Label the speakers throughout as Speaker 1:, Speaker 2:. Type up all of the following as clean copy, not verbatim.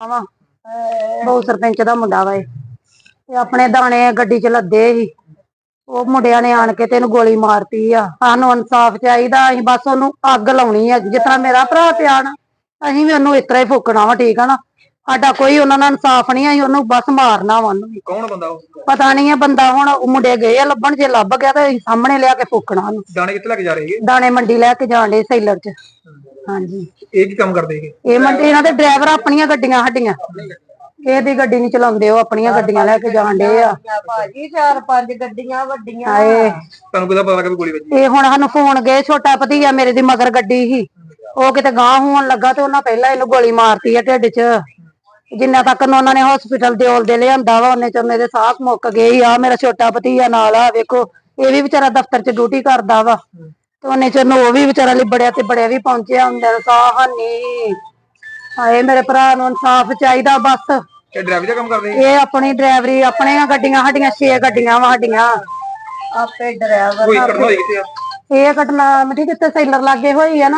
Speaker 1: ਵਾ ਬਹੁ ਸਰਪੰਚ ਦਾ ਮੁੰਡਾ ਵਾ ਤੇ ਆਪਣੇ ਦਾਣੇ ਗੱਡੀ ਚ ਲੱਦੇ ਸੀ। ਉਹ ਮੁੰਡਿਆਂ ਨੇ ਆਣ ਕੇ ਤੇ ਇਹਨੂੰ ਗੋਲੀ ਮਾਰਤੀ ਆ। ਸਾਨੂੰ ਇਨਸਾਫ ਚਾਹੀਦਾ। ਅਸੀਂ ਬਸ ਉਹਨੂੰ ਅੱਗ ਲਾਉਣੀ ਆ। ਜਿਸ ਤਰ੍ਹਾਂ ਮੇਰਾ ਭਰਾ ਪਿਆ ਨਾ, ਅਸੀਂ ਵੀ ਉਹਨੂੰ ਇਸ ਤਰ੍ਹਾਂ ਹੀ ਫੂਕਣਾ ਵਾ। ਠੀਕ ਆ ਨਾ, ਸਾਡਾ ਕੋਈ ਉਹਨਾਂ ਨਾਲ ਇਨਸਾਫ ਨਹੀਂ। ਅਸੀਂ ਉਹਨੂੰ ਬਸ ਮਾਰਨਾ ਵਾ। ਉਹਨੂੰ
Speaker 2: ਕੌਣ ਬੰਦਾ ਉਹ?
Speaker 1: ਪਤਾ ਨਹੀਂ ਆ ਬੰਦਾ। ਹੁਣ ਉਹ ਮੁੰਡੇ ਗਏ ਆ ਲੱਭਣ, ਜੇ ਲੱਭ ਗਿਆ ਤੇ ਅਸੀਂ ਸਾਹਮਣੇ ਲਿਆ ਕੇ ਫੂਕਣਾ ਉਹਨੂੰ।
Speaker 2: ਦਾਣੇ ਕਿੱਥੇ ਲੈ ਕੇ ਜਾ ਰਹੇ?
Speaker 1: ਦਾਣੇ ਮੰਡੀ ਲੈ ਕੇ ਜਾਣ ਡੇ ਸੈਲਰ ਚ। ਹਾਂਜੀ।
Speaker 2: ਇਹ ਕੀ ਕੰਮ ਕਰਦੇ ਹੈਗੇ?
Speaker 1: ਇਹ ਮੰਡੀ ਇਹਨਾਂ ਦੇ ਡਰਾਈਵਰ ਆਪਣੀਆਂ ਗੱਡੀਆਂ ਸਾਡੀਆਂ, ਇਹਦੀ ਗੱਡੀ ਨਹੀਂ ਚਲਾਉਂਦੇ। ਉਹ ਆਪਣੀਆਂ ਗੱਡੀਆਂ ਲੈ ਕੇ ਜਾਣ ਡੇ ਆ
Speaker 3: ਭਾਜੀ। 4-5 ਗੱਡੀਆਂ ਵੱਡੀਆਂ।
Speaker 2: ਤੁਹਾਨੂੰ ਕਿਹਦਾ ਪਤਾ ਲੱਗਾ ਵੀ ਗੋਲੀ ਵੱਜੀ?
Speaker 1: ਇਹ ਹੁਣ ਸਾਨੂੰ ਫੋਨ ਗਏ, ਛੋਟਾ ਭਤੀਆ ਮੇਰੇ ਦੀ ਮਗਰ ਗੱਡੀ ਸੀ, ਉਹ ਕਿਤੇ ਗਾਂਹ ਹੋਣ ਲੱਗਾ ਤੇ ਉਹਨਾਂ ਪਹਿਲਾਂ ਇਹਨੂੰ ਗੋਲੀ ਮਾਰਤੀ ਆ ਢਿੱਡ ਚ। ਜਿੰਨਾ ਤੱਕ ਉਹਨਾਂ ਨੇ ਹਸਪੀਟਲ ਦੇ ਲਿਆਂਦਾ ਵਾ, ਉਹਨੇ ਚ ਮੇਰੇ ਸਾਹ ਮੁੱਕ ਗਏ ਆ। ਮੇਰਾ ਛੋਟਾ ਭਤੀਆ ਨਾਲ ਆ, ਵੇਖੋ ਇਹ ਵੀ ਵਿਚਾਰਾ ਦਫ਼ਤਰ ਚ ਡਿਊਟੀ ਕਰਦਾ ਵਾ ਤੇ ਉਹਨੇ ਚ ਉਹ ਵੀ ਵਿਚਾਰਾ ਲਿਬੜਿਆ ਤੇ ਬੜਿਆ ਵੀ ਪਹੁੰਚਿਆ ਹੁੰਦੇ ਸਾਹ ਹਾਨੀ। ਹਾਏ ਮੇਰੇ ਭਰਾ ਨੂੰ ਇਨਸਾਫ ਚਾਹੀਦਾ ਬਸ।
Speaker 2: ਇਹ ਡਰਾਈਵਰ ਦਾ ਕੰਮ ਕਰਦੇ?
Speaker 1: ਇਹ ਆਪਣੀ ਡਰਾਈਵਰੀ, ਆਪਣੀਆਂ ਗੱਡੀਆਂ ਸਾਡੀਆਂ 6 ਗੱਡੀਆਂ ਵਾ ਸਾਡੀਆਂ।
Speaker 3: ਆਪੇ ਡਰਾਈਵਰ
Speaker 2: ਕੋਈ ਘਟਨਾ ਹੋਈ ਕਿੱਥੇ ਆ?
Speaker 1: ਇਹ ਘਟਨਾ ਮਿੱਠੀ ਕਿਤੇ ਸੈਲਰ ਲਾਗੇ ਹੋਈ ਆ ਨਾ,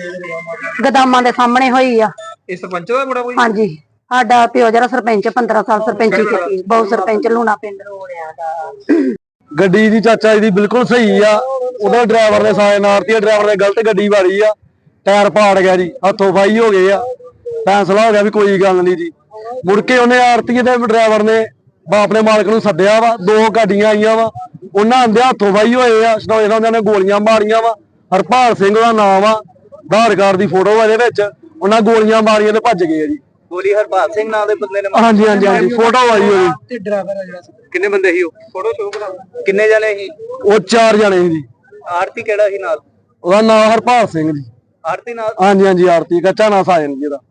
Speaker 1: ਗਦਾਮਾਂ ਦੇ ਸਾਹਮਣੇ ਹੋਈ ਆ।
Speaker 2: ਇਹ ਸਰਪੰਚ ਦਾ ਮੁੰਡਾ ਕੋਈ?
Speaker 1: ਹਾਂਜੀ, ਸਾਡਾ ਪਿਓ ਜਿਹੜਾ ਸਰਪੰਚ 15 ਸਾਲ ਸਰਪੰਚੀ ਕੀਤੀ, ਬਹੁਤ ਸਰਪੰਚ ਲੂਣਾ ਪਿੰਡ ਰੋੜਿਆ ਦਾ।
Speaker 4: ਗੱਡੀ ਦੀ ਚਾਚਾ ਜੀ ਦੀ ਬਿਲਕੁਲ ਸਹੀ ਆ। ਉਹਦਾ ਡਰਾਈਵਰ ਨੇ ਸਾਇਨ ਮਾਰਤੀ, ਡਰਾਈਵਰ ਨੇ ਗਲਤ ਗੱਡੀ ਵਾਰੀ ਆ, ਟਾਇਰ ਪਾੜ ਗਿਆ ਜੀ, ਹੱਥੋਂ ਫਾਈ ਹੋ ਗਏ ਆ। ਫੈਸਲਾ ਹੋ ਗਿਆ ਵੀ ਕੋਈ ਗੱਲ ਨਹੀਂ ਜੀ। ਮੁੜ ਕੇ ਉਹਨੇ ਆਰਤੀ ਦੇ ਡਰਾਈਵਰ ਨੇ ਆਪਣੇ ਮਾਲਕ ਨੂੰ ਸੱਦਿਆ ਵਾ। 2 ਗੱਡੀਆਂ ਆਈਆਂ ਵਾ, ਉਹਨਾਂ ਆਂਦੇ ਹੱਥੋਂ ਫਾਈ ਹੋਏ ਆ। ਸਟੋਏ ਉਹਨਾਂ ਨੇ ਗੋਲੀਆਂ ਮਾਰੀਆਂ ਵਾ। ਹਰਪਾਲ ਸਿੰਘ ਦਾ ਨਾਮ ਆ, ਆਧਾਰ ਕਾਰਡ ਦੀ ਫੋਟੋ ਇਹਦੇ ਵਿੱਚ। ਉਹਨਾਂ ਗੋਲੀਆਂ ਮਾਰੀਆਂ ਤੇ ਭੱਜ ਗਏ ਆ ਜੀ।
Speaker 2: ਗੋਲੀ ਹਰਪਾਲ ਸਿੰਘ ਨਾਂ ਦੇ ਬੰਦੇ ਨੇ?
Speaker 4: ਹਾਂਜੀ ਹਾਂਜੀ ਹਾਂਜੀ, ਫੋਟੋ ਆਈ ਹੋਈ।
Speaker 2: ਤੇ ਡਰਾਈਵਰ ਆ ਜਿਹੜਾ, ਕਿੰਨੇ ਬੰਦੇ ਸੀ ਉਹ? ਫੋਟੋ ਸ਼ੋਅ ਕਰਾ। ਕਿੰਨੇ ਜਣੇ ਸੀ
Speaker 4: ਉਹ? 4 ਜਣੇ ਸੀ ਜੀ।
Speaker 2: ਆਰਤੀ ਕਿਹੜਾ ਸੀ ਨਾਲ?
Speaker 4: ਉਹਦਾ ਨਾਮ ਹਰਪਾਲ ਸਿੰਘ ਜੀ।
Speaker 2: ਆਰਤੀ ਨਾਲ?
Speaker 4: ਹਾਂਜੀ ਹਾਂਜੀ, ਆਰਤੀ ਕੱਚਾ ਨਾ ਸਾਜਨ ਜੀ ਦਾ।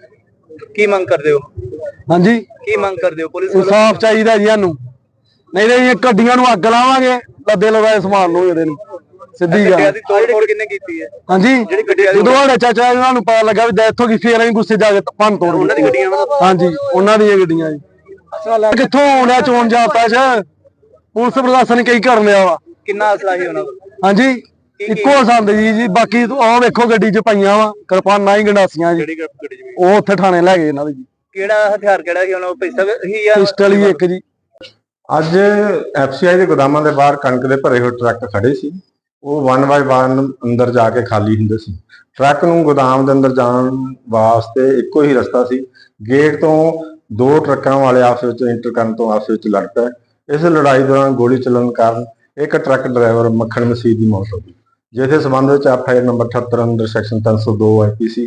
Speaker 2: ਕੀ ਮੰਗ ਕਰਦੇ ਹੋ?
Speaker 4: ਹਾਂਜੀ,
Speaker 2: ਕੀ ਮੰਗ ਕਰਦੇ ਹੋ? ਪੁਲਿਸ
Speaker 4: ਇਨਸਾਫ ਚਾਹੀਦਾ ਜੀ ਸਾਨੂੰ, ਨਹੀਂ ਤੇ ਇਹ ਗੱਡੀਆਂ ਨੂੰ ਅੱਗ ਲਾਵਾਂਗੇ। ਲੱਦੇ ਲਗਾਏ ਸਮਾਨ ਨੂੰ ਇਹਦੇ ਨੂੰ ਸਿੱਧੀ ਗੱਲ।
Speaker 2: ਦੀ ਤੋੜ ਕਿੰਨੇ ਕੀਤੀ ਹੈ?
Speaker 4: ਹਾਂਜੀ, ਜਦੋਂ ਸਾਡੇ ਚਾਚਾ ਇਹਨਾਂ ਨੂੰ ਪਤਾ ਲੱਗਾ ਵੀ ਡੈਥ ਹੋ ਗਈ, ਫੇਰ ਅਸੀਂ ਗੁੱਸੇ ਜਾ ਕੇ ਭੰਨ ਤੋੜ
Speaker 2: ਉਹਨਾਂ ਦੀ ਗੱਡੀਆਂ?
Speaker 4: ਹਾਂਜੀ, ਉਹਨਾਂ ਦੀਆਂ ਗੱਡੀਆਂ ਜੀ। ਕਿੱਥੋਂ ਆਉਂਦਾ ਚੋਣ ਜਾਪਦਾ ਚ? ਪੁਲਿਸ ਪ੍ਰਸ਼ਾਸਨ ਕਈ ਕਰਨ ਲਿਆ ਵਾ।
Speaker 2: ਕਿੰਨਾ ਅਸਲਾ ਸੀ ਉਹਨਾਂ ਕੋਲ?
Speaker 4: ਹਾਂਜੀ, ਇੱਕੋ ਸੰਦ ਜੀ। ਬਾਕੀ ਆਹ ਵੇਖੋ ਗੱਡੀ ਚ ਪਈਆਂ ਵਾ ਕਿਰਪਾਨਾਂ ਹੀ, ਗੰਡਾਸੀਆਂ ਜੀ। ਉਹ ਉੱਥੇ ਥਾਣੇ ਲੈ ਗਏ ਇਹਨਾਂ ਦੇ ਜੀ।
Speaker 2: ਕਿਹੜਾ ਹਥਿਆਰ ਕਿਹੜਾ ਸੀ ਉਹਨਾਂ ਕੋਲ? ਪਿਸਤਲ ਹੀ ਜਾਂ
Speaker 4: ਪਿਸਟਲ ਹੀ ਇੱਕ ਜੀ।
Speaker 5: ਅੱਜ ਐਫਸੀਆਈ ਦੇ ਗੋਦਾਮਾਂ ਦੇ ਬਾਹਰ ਕਣਕ ਦੇ ਭਰੇ ਹੋਏ ਟਰੱਕ ਖੜੇ ਸੀ। ਉਹ 1 ਬਾਈ 1 ਅੰਦਰ ਜਾ ਕੇ ਖਾਲੀ ਹੁੰਦੇ ਸੀ। ਟਰੱਕ ਨੂੰ ਗੋਦਾਮ ਦੇ ਅੰਦਰ ਜਾਣ ਵਾਸਤੇ ਇੱਕੋ ਹੀ ਰਸਤਾ ਸੀ। ਗੇਟ ਤੋਂ 2 ਟਰੱਕਾਂ ਵਾਲੇ ਆਪਸ ਵਿੱਚ ਇੰਟਰ ਕਰਨ ਤੋਂ ਆਪਸ ਵਿੱਚ ਲੜ ਪਏ। ਇਸ ਲੜਾਈ ਦੌਰਾਨ ਗੋਲੀ ਚੱਲਣ ਕਾਰਨ ਇੱਕ ਟਰੱਕ ਡਰਾਈਵਰ ਮੱਖਣ ਮਸੀਹ ਦੀ ਮੌਤ ਹੋ ਗਈ, ਜਿਸ ਦੇ ਸੰਬੰਧ ਵਿੱਚ ਐਫਆਈਆਰ ਨੰਬਰ 78 ਅੰਦਰ ਸੈਕਸ਼ਨ 302 ਆਈਪੀਸੀ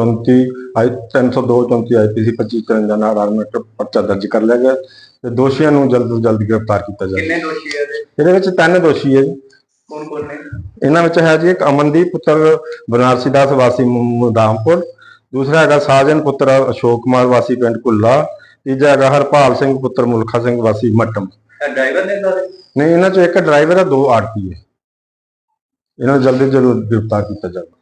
Speaker 5: 302 34 ਆਈਪੀਸੀ 2553 ਨਾਲ ਆਰਮੇਟ ਪਰਚਾ ਦਰਜ ਕਰ ਲਿਆ ਗਿਆ ਤੇ ਦੋਸ਼ੀਆਂ ਨੂੰ ਜਲਦ ਤੋਂ ਜਲਦ ਗ੍ਰਿਫਤਾਰ ਕੀਤਾ ਜਾਵੇ।
Speaker 2: ਕਿੰਨੇ ਦੋਸ਼ੀ ਹੈ
Speaker 5: ਇਹਦੇ ਵਿੱਚ 3 ਦੋਸ਼ੀ ਹੈ ਜੀ।
Speaker 2: ਕੌਣ ਕੌਣ ਨੇ?
Speaker 5: ਇਹਨਾਂ ਵਿੱਚ ਹੈ ਜੀ ਇੱਕ ਅਮਨਦੀਪ ਪੁੱਤਰ ਬਨਾਰਸੀ ਦਾਸ ਵਾਸੀ ਮੁਦਾਮਪੁਰ, ਦੂਸਰਾ ਹੈਗਾ ਸਾਜਨ ਪੁੱਤਰ ਅਸ਼ੋਕ ਕੁਮਾਰ ਵਾਸੀ ਪਿੰਡ ਕੁੱਲਾ, ਤੀਜਾ ਹੈਗਾ ਹਰਪਾਲ ਸਿੰਘ ਪੁੱਤਰ ਮੁਲਖਾ ਸਿੰਘ ਵਾਸੀ ਮੱਟਮ।
Speaker 2: ਡਰਾਈਵਰ ਨੇ ਸਾਰੇ?
Speaker 5: ਨਹੀਂ, ਇਹਨਾਂ ਚੋਂ ਇੱਕ ਡਰਾਈਵਰ ਹੈ, 2 ਆਰਪੀ ਹੈ। ਇਹਨਾਂ ਨੂੰ ਜਲਦੀ ਤੋਂ ਜਲਦ ਗ੍ਰਿਫਤਾਰ ਕੀਤਾ ਜਾਵੇ।